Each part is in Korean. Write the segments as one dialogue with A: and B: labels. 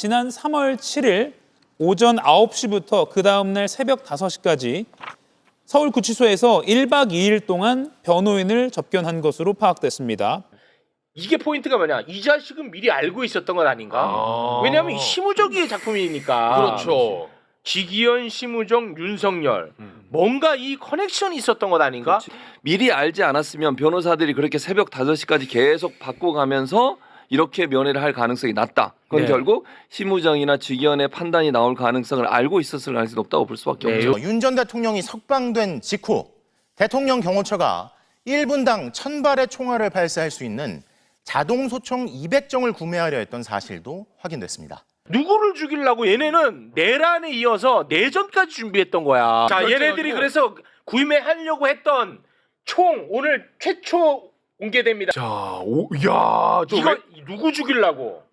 A: 지난 3월 7일 오전 9시부터 그 다음날 새벽 5시까지 서울구치소에서 1박 2일 동안 변호인을 접견한 것으로 파악됐습니다.
B: 이게 포인트가 뭐냐? 이 자식은 미리 알고 있었던 건 아닌가? 왜냐하면 이 심우정의 작품이니까.
C: 그렇죠.
B: 지기현, 심우정, 윤석열. 뭔가 이 커넥션이 있었던 것 아닌가?
D: 미리 알지 않았으면 변호사들이 그렇게 새벽 5시까지 계속 바꿔가면서 이렇게 면회를 할 가능성이 낮다. 그건
B: 네.
D: 결국 심우정이나 지기현의 판단이 나올 가능성을 알고 있었을 가능성이 높다고 볼 수밖에
B: 네.
D: 없죠.
E: 윤 전 대통령이 석방된 직후 대통령 경호처가 1분당 1000발의 총알을 발사할 수 있는 자동 소총 200정을 구매하려 했던 사실도 확인됐습니다.
B: 누구를 죽이려고 얘네는 내란에 이어서 내전까지 준비했던 거야. 자, 얘네들이 그래서 구매하려고 했던 총 오늘 최초 공개됩니다.
C: 자, 야, 저
B: 이거 누구 죽이려고?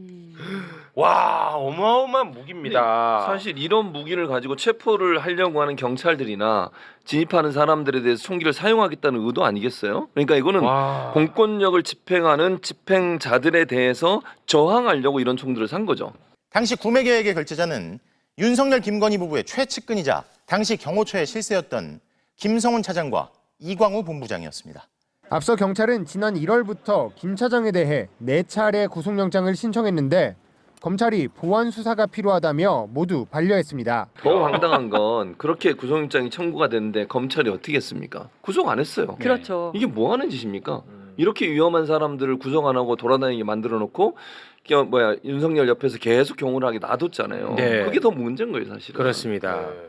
B: 와, 어마어마한 무기입니다.
D: 사실 이런 무기를 가지고 체포를 하려고 하는 경찰들이나 진입하는 사람들에 대해서 총기를 사용하겠다는 의도 아니겠어요? 그러니까 이거는
B: 와.
D: 공권력을 집행하는 집행자들에 대해서 저항하려고 이런 총들을 산 거죠.
E: 당시 구매 계획의 결제자는 윤석열 김건희 부부의 최측근이자 당시 경호처의 실세였던 김성훈 차장과 이광우 본부장이었습니다.
F: 앞서 경찰은 지난 1월부터 김 차장에 대해 4차례 구속영장을 신청했는데 검찰이 보완 수사가 필요하다며 모두 반려했습니다.
D: 더 황당한 건 그렇게 구속영장이 청구가 됐는데 검찰이 어떻게 했습니까? 구속 안 했어요.
G: 그렇죠.
D: 이게 뭐 하는 짓입니까? 이렇게 위험한 사람들을 구속 안 하고 돌아다니게 만들어 놓고 윤석열 옆에서 계속 경호를 하게 놔뒀잖아요.
B: 네.
D: 그게 더 문제인 거예요, 사실은.
B: 그렇습니다.